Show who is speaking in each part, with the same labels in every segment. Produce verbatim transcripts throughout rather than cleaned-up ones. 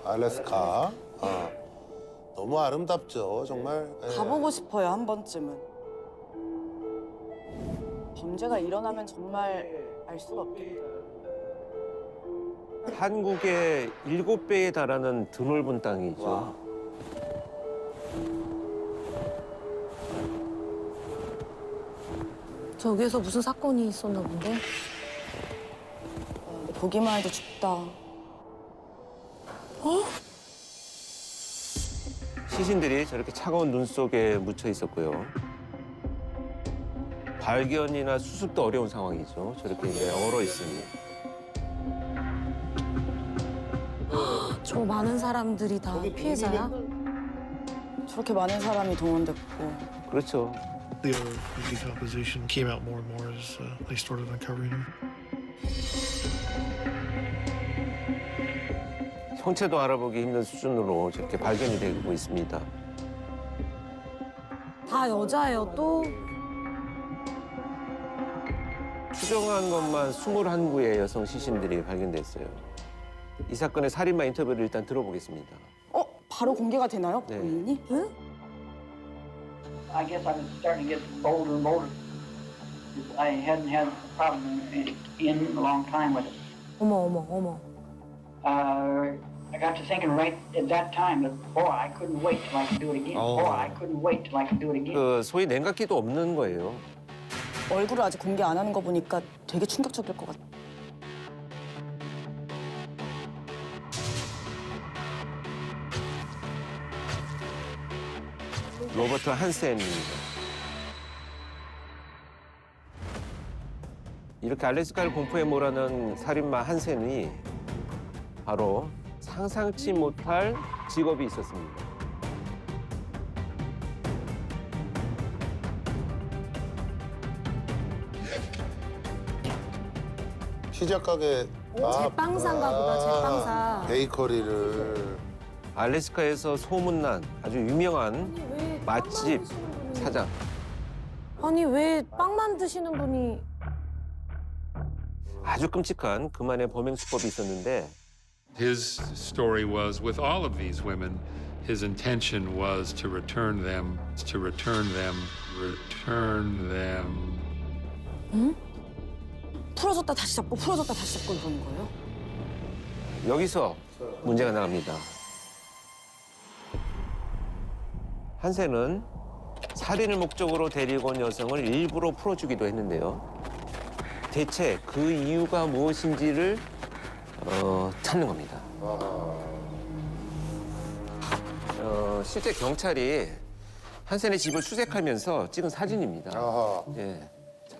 Speaker 1: 알래스카. 아, 너무 아름답죠, 정말. 예.
Speaker 2: 가보고 싶어요, 한 번쯤은. 범죄가 일어나면 정말 알 수가 없겠다.
Speaker 3: 한국의 일곱 배에 달하는 드넓은 땅이죠.
Speaker 4: 저기에서 무슨 사건이 있었나 본데?
Speaker 2: 보기만 해도 춥다.
Speaker 3: 시신들이 저렇게 차가운 눈 속에 묻혀 있었고요. 발견이나 수습도 어려운 상황이죠. 저렇게 이제 얼어 있으니.
Speaker 4: 저 많은 사람들이 다 피해자야?
Speaker 2: 저렇게 많은 사람이 동원됐고.
Speaker 3: 그렇죠.
Speaker 5: The other decomposition came out more and more as uh, they started uncovering him.
Speaker 3: 형체도 알아보기 힘든 수준으로 저렇게 발견이 되고 있습니다.
Speaker 4: 다 여자예요, 또?
Speaker 3: 추정한 것만 이십일 구의 여성 시신들이 발견됐어요. 이 사건의 살인마 인터뷰를 일단 들어보겠습니다.
Speaker 2: 어? 바로 공개가 되나요?
Speaker 3: 네.
Speaker 2: 본인이?
Speaker 4: 응?
Speaker 6: I guess I was starting to get bolder and bolder. I hadn't had a problem in, in a long time with it.
Speaker 4: 어머, 어머, 어머.
Speaker 6: Uh, I got to thinking right at that time that, boy, I couldn't wait till I could do it again.
Speaker 1: Oh.
Speaker 6: Boy, I couldn't wait till I could do it again.
Speaker 3: 그 소위 냉각기도 없는 거예요.
Speaker 2: 얼굴을 아직 공개 안 하는 거 보니까 되게 충격적일 것 같아.
Speaker 3: 로버트 한센입니다. 이렇게 알래스카를 공포에 몰아넣은 살인마 한센이 바로 상상치 못할 직업이 있었습니다.
Speaker 1: 피자 가게.
Speaker 4: 제빵사인가 보다, 제빵사.
Speaker 1: 베이커리를.
Speaker 3: 알래스카에서 소문난 아주 유명한
Speaker 4: 왜
Speaker 3: 맛집 사장.
Speaker 4: 아니, 왜 빵 만드시는 분이
Speaker 3: 아주 끔찍한 그만의 범행 수법이 있었는데
Speaker 7: His story was with all of these women, his intention was to return them, to return them, return them.
Speaker 2: 풀어줬다 다시 잡고 풀어줬다 다시 잡고 이러는 거예요?
Speaker 3: 여기서 문제가 나갑니다. 한센은 살인을 목적으로 데리고 온 여성을 일부러 풀어주기도 했는데요. 대체 그 이유가 무엇인지를 어, 찾는 겁니다. 어, 실제 경찰이 한센의 집을 수색하면서 찍은 사진입니다.
Speaker 1: 아하.
Speaker 3: 예.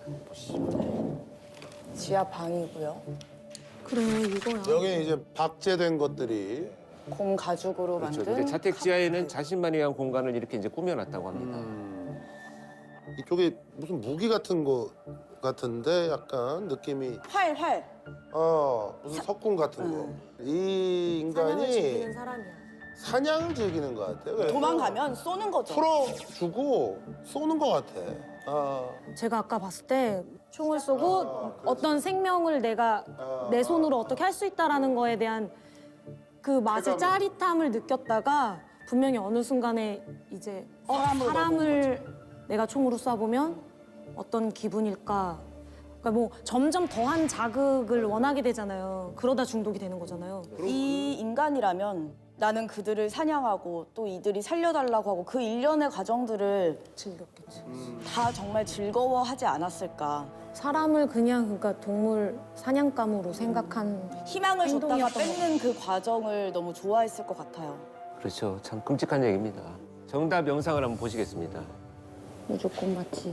Speaker 2: 지하 방이고요.
Speaker 4: 그래, 이거야.
Speaker 1: 여기 이제 박제된 것들이.
Speaker 2: 곰 가죽으로
Speaker 3: 그렇죠.
Speaker 2: 만든.
Speaker 3: 이제 자택 지하에는 자신만을 위한 공간을 이렇게 이제 꾸며놨다고 합니다.
Speaker 1: 음, 이쪽에 무슨 무기 같은 거 같은데 약간 느낌이.
Speaker 2: 활, 활.
Speaker 1: 어, 무슨 석궁 같은 거. 이
Speaker 4: 사냥을 즐기는
Speaker 1: 인간이
Speaker 4: 사람이야.
Speaker 1: 사냥을 즐기는 것 같아요. 그래서
Speaker 2: 도망가면 쏘는 거죠.
Speaker 1: 풀어주고 쏘는 것 같아. 아,
Speaker 4: 제가 아까 봤을 때 총을 쏘고 어떤 생명을 내가 내 손으로 어떻게 할 수 있다라는 거에 대한 그 맛의 짜릿함을 느꼈다가 분명히 어느 순간에 이제 어,
Speaker 2: 사람을
Speaker 4: 사람을 내가 총으로 쏴보면 어떤 기분일까. 그러니까 뭐 점점 더한 자극을 원하게 되잖아요. 그러다 중독이 되는 거잖아요.
Speaker 2: 이 인간이라면 나는 그들을 사냥하고 또 이들이 살려달라고 하고 그 일련의 과정들을
Speaker 4: 즐겼겠지.
Speaker 2: 다 정말 즐거워하지 않았을까.
Speaker 4: 사람을 그냥 그러니까 동물 사냥감으로 생각한
Speaker 2: 희망을 줬다가
Speaker 4: 행동이었던
Speaker 2: 뺏는 그 과정을 너무 좋아했을 것 같아요.
Speaker 3: 그렇죠. 참 끔찍한 얘기입니다. 정답 영상을 한번 보시겠습니다.
Speaker 4: 무조건 맞지.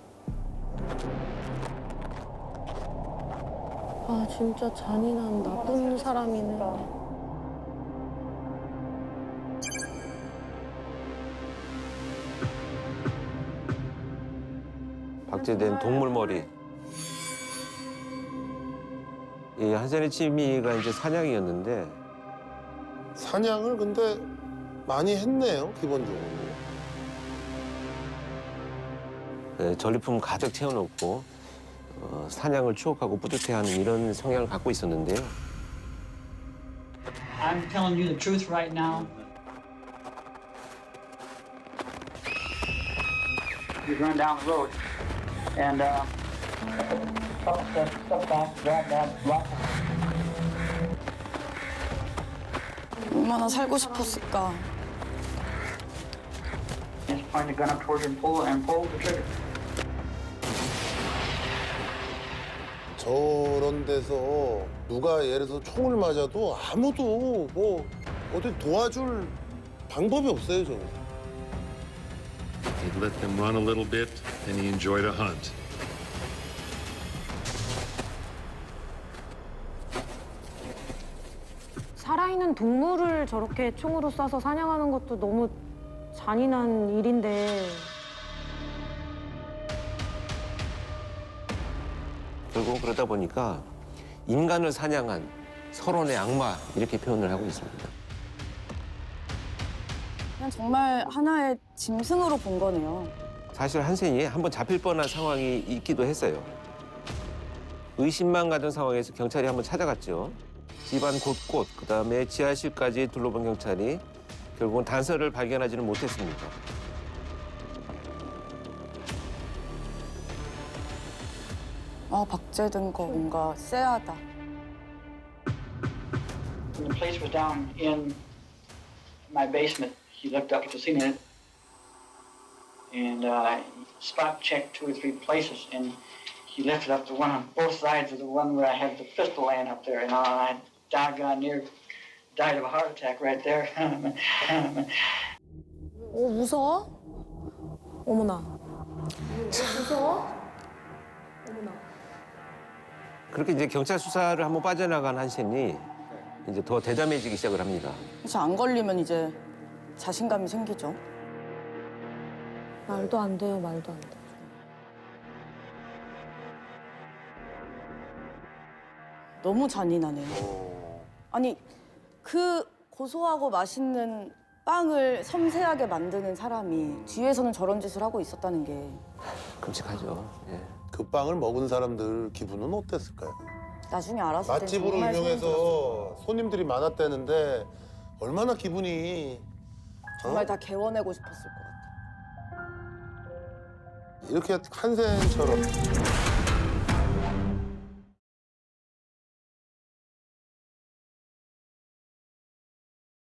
Speaker 4: 아 진짜 잔인한 나쁜 사람이네.
Speaker 3: 박제된 동물 머리. 이 한센의 취미가 이제 사냥이었는데
Speaker 1: 사냥을 근데 많이 했네요, 기본적으로.
Speaker 3: 네, 전리품 가득 채워놓고 어, 사냥을 추억하고 뿌듯해하는 이런 성향을 갖고 있었는데요.
Speaker 6: I'm telling you the truth right now. He's run down the road, and uh, couple steps, step back, grab that block.
Speaker 2: 얼마나 살고 싶었을까.
Speaker 6: Just point the gun up towards her and pull and pull the trigger.
Speaker 1: 저런 데서 누가 예를 들어서 총을 맞아도 아무도 뭐 어디 도와줄 방법이 없어요, 저거.
Speaker 7: He'd let them run a little bit, and he enjoyed a hunt.
Speaker 4: 살아있는 동물을 저렇게 총으로 쏴서 사냥하는 것도 너무 잔인한 일인데
Speaker 3: 결국 그러다 보니까 인간을 사냥한 서론의 악마 이렇게 표현을 하고 있습니다.
Speaker 2: 그냥 정말 하나의 짐승으로 본 거네요.
Speaker 3: 사실 한센이 한번 잡힐 뻔한 상황이 있기도 했어요. 의심만 가던 상황에서 경찰이 한번 찾아갔죠. 집안 곳곳, 그다음에 지하실까지 둘러본 경찰이 결국은 단서를 발견하지는 못했습니다.
Speaker 2: 아, 박제된 거 뭔가 쎄하다.
Speaker 6: When the police was down in my basement, he looked up at the ceiling and uh, spot checked two or three places, and he lifted up the one on both sides of the one where I had the pistol laying up there, and I doggone near died of a heart attack right there.
Speaker 4: 어 무서워? 어머나 무서워? 어머나
Speaker 3: 그렇게 이제 경찰 수사를 한번 빠져나간 한센이 이제 더 대담해지기 시작을 합니다.
Speaker 2: 그래서 안 걸리면 이제 자신감이 생기죠.
Speaker 4: 말도 안 돼요 말도 안 돼.
Speaker 2: 너무 잔인하네요. 아니, 그 고소하고 맛있는 빵을 섬세하게 만드는 사람이 뒤에서는 저런 짓을 하고 있었다는 게
Speaker 3: 끔찍하죠. 예.
Speaker 1: 그 빵을 먹은 사람들 기분은 어땠을까요?
Speaker 2: 나중에 알았을 때
Speaker 1: 맛집으로
Speaker 2: 정말 소름 돋았어요.
Speaker 1: 유명해서 손님들이 많았다는데 얼마나 기분이
Speaker 2: 정말
Speaker 1: 어?
Speaker 2: 다 개워내고 싶었을 것 같아요.
Speaker 1: 이렇게 한센처럼